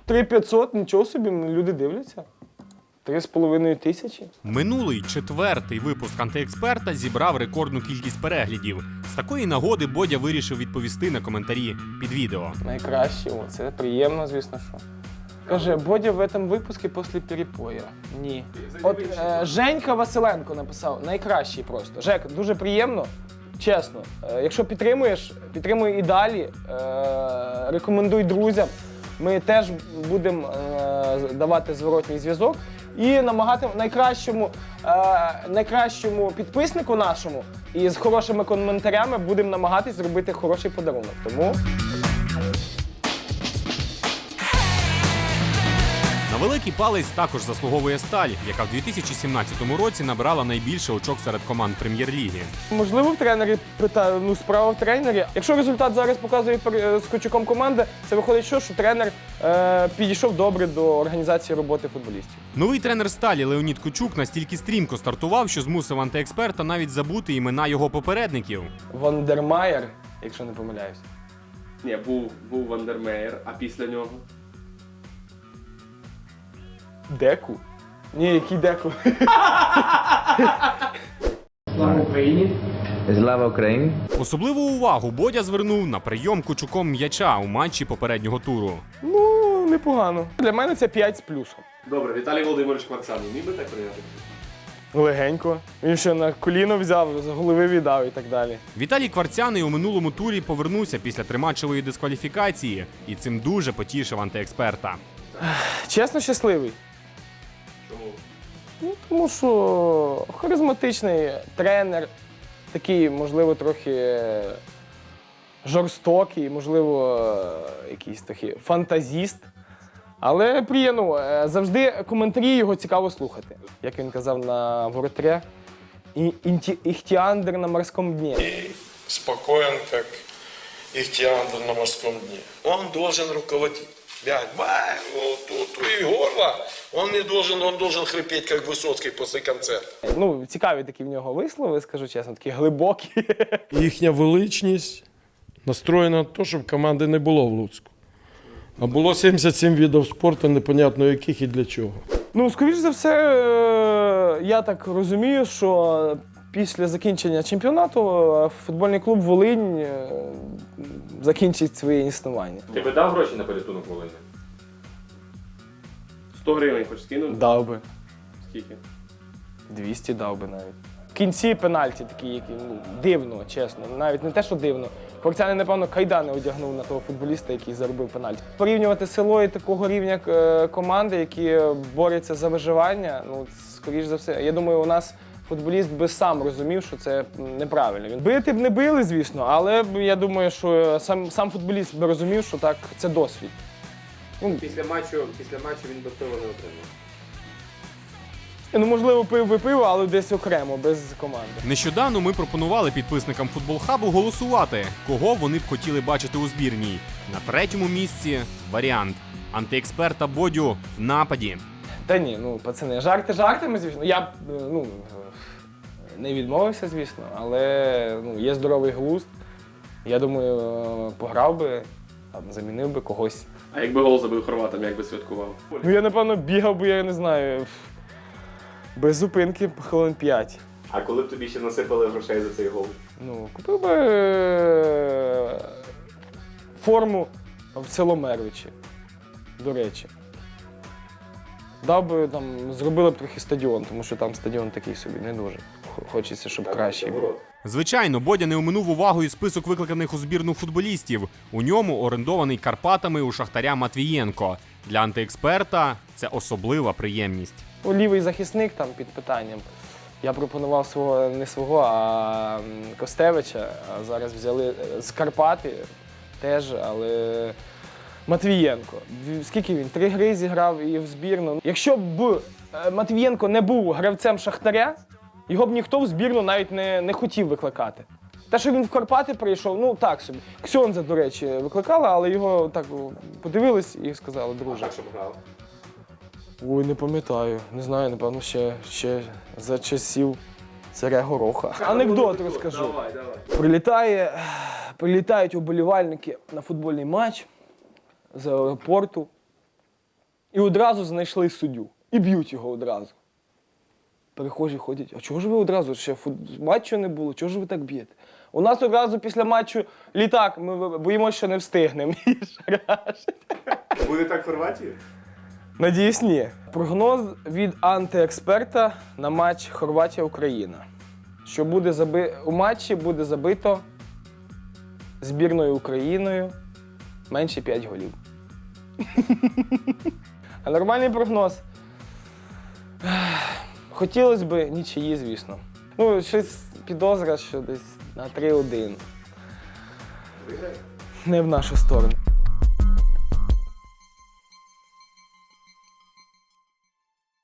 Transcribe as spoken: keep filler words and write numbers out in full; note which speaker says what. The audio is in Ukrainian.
Speaker 1: три п'ятсот, нічого собі, люди дивляться. Три з половиною тисячі.
Speaker 2: Минулий четвертий випуск «Антиексперта» зібрав рекордну кількість переглядів. З такої нагоди Бодя вирішив відповісти на коментарі під відео.
Speaker 1: Найкраще, о, це приємно, звісно, що. Каже, Бодя в цьому випуску після перепоя. Ні. От е, Женька Василенко написав, найкращий просто. Жек, дуже приємно, чесно. Е, якщо підтримуєш, підтримуй і далі. Е, рекомендуй друзям. Ми теж будемо е, давати зворотній зв'язок і намагати найкращому, е, найкращому підписнику нашому і з хорошими коментарями будемо намагатись зробити хороший подарунок. Тому...
Speaker 2: На великий палець також заслуговує «Сталь», яка в дві тисячі сімнадцятому році набрала найбільше очок серед команд Прем'єр-ліги.
Speaker 1: Можливо, в тренері питаю, ну справа в тренері. Якщо результат зараз показує з Кочуком команди, це виходить, що, що тренер е, підійшов добре до організації роботи футболістів.
Speaker 2: Новий тренер «Сталі» Леонід Кучук настільки стрімко стартував, що змусив «Антиексперта» навіть забути імена його попередників.
Speaker 1: Вандермаєр, якщо не помиляюсь.
Speaker 3: Ні, був, був Вандермеєр, а після нього?
Speaker 1: Деку? Ні, який Деку?
Speaker 4: Слава Україні! Слава Україні!
Speaker 2: Особливу увагу Бодя звернув на прийом Кучуком м'яча у матчі попереднього туру.
Speaker 1: Ну, непогано. Для мене це п'ять з плюсом.
Speaker 3: Добре, Віталій Володимирович Кварцаний міг би так прийняти?
Speaker 1: Легенько. Він ще на коліно взяв, з голови віддав і так далі.
Speaker 2: Віталій Кварцяний у минулому турі повернувся після триматчевої дискваліфікації і цим дуже потішив «Антиексперта».
Speaker 1: Чесно, щасливий.
Speaker 3: Чому?
Speaker 1: Ну, тому що харизматичний тренер, такий, можливо, трохи жорстокий, можливо, якийсь такий фантазіст. Але приємно, завжди коментарі його цікаво слухати. Як він казав на воротре, «Ихтиандр на морському дні».
Speaker 5: Спокоен, как ихтиандр на морском дне. Он должен руководить. Бять, бай, вот тут и горло. Он не должен, он должен хрипеть, как Высоцкий после концерта.
Speaker 1: Ну, цікаві такі в нього вислови, скажу чесно, такі глибокі.
Speaker 6: Їхня величність настроєна на те, щоб команди не було в Луцьку. А було сімдесят сім видів спорту, непонятно яких і для чого.
Speaker 1: Ну, скоріш за все, я так розумію, що після закінчення чемпіонату футбольний клуб «Волинь» закінчить своє існування.
Speaker 3: Ти би дав гроші на порятунок Волині? сто гривень хоч скинув?
Speaker 1: Дав би.
Speaker 3: Скільки?
Speaker 1: двісті дав би навіть. В кінці пенальті такі, які, ну, дивно, чесно. Навіть не те, що дивно. Кварцяний, напевно, кайдани одягнув на того футболіста, який заробив пенальті. Порівнювати село і такого рівня е, команди, які борються за виживання, ну, скоріш за все. Я думаю, у нас футболіст би сам розумів, що це неправильно. Він бити б не били, звісно, але я думаю, що сам, сам футболіст би розумів, що так, це досвід.
Speaker 3: Ну, після матчу, після матчу він би пиво не отримав.
Speaker 1: Ну, можливо, пив би пиво, але десь окремо, без команди.
Speaker 2: Нещодавно ми пропонували підписникам «Футбол-хабу» голосувати, кого вони б хотіли бачити у збірній. На третьому місці варіант «Антиексперта» Бодю в нападі.
Speaker 1: Та ні, ну, пацани, жарти жартами, звісно. Я б, ну, не відмовився, звісно, але ну, є здоровий глузд. Я думаю, пограв би, там, замінив би когось.
Speaker 3: А якби гол забив хорватам, як би святкував?
Speaker 1: Ну, я, напевно, бігав би, я не знаю, без зупинки хвилин п'ять.
Speaker 3: А коли б тобі ще насипали грошей за цей гол?
Speaker 1: Ну, купив би е, форму в село Мервичі, до речі. Дав би, там, зробили б трохи стадіон, тому що там стадіон такий собі не дуже. Хочеться, щоб кращий був.
Speaker 2: Звичайно, Бодя не оминув увагою список викликаних у збірну футболістів. У ньому орендований Карпатами у Шахтаря Матвієнко. Для «Антиексперта» це особлива приємність.
Speaker 1: Лівий захисник там під питанням. Я пропонував свого, не свого, а Костевича, а зараз взяли з Карпати теж, але Матвієнко. Скільки він? Три гри зіграв і в збірну. Якщо б Матвієнко не був гравцем Шахтаря, його б ніхто в збірну навіть не, не хотів викликати. Те, що він в Карпати прийшов, ну так собі. Ксьонза, до речі, викликала, але його так подивились і сказали, друже.
Speaker 3: Так, щоб грав.
Speaker 1: Ой, не пам'ятаю. Не знаю, напевно, ще, ще за часів царя Гороха. Анекдот розкажу.
Speaker 3: Давай, давай.
Speaker 1: Прилітає, прилітають уболівальники на футбольний матч з аеропорту. І одразу знайшли суддю. І б'ють його одразу. Перехожі ходять, а чого ж ви одразу ще фут... матчу не було, чого ж ви так б'єте? У нас одразу після матчу літак, ми боїмося, що не встигнемо.
Speaker 3: Буде так в Хорватії?
Speaker 1: Надіюсь, ні. Прогноз від антиексперта на матч Хорватія-Україна. Що буде заби... у матчі буде забито збірною Україною менше п'ять голів. А нормальний прогноз? Хотілося б нічиї, звісно. Ну, щось підозра, що десь на три один. Не в нашу сторону.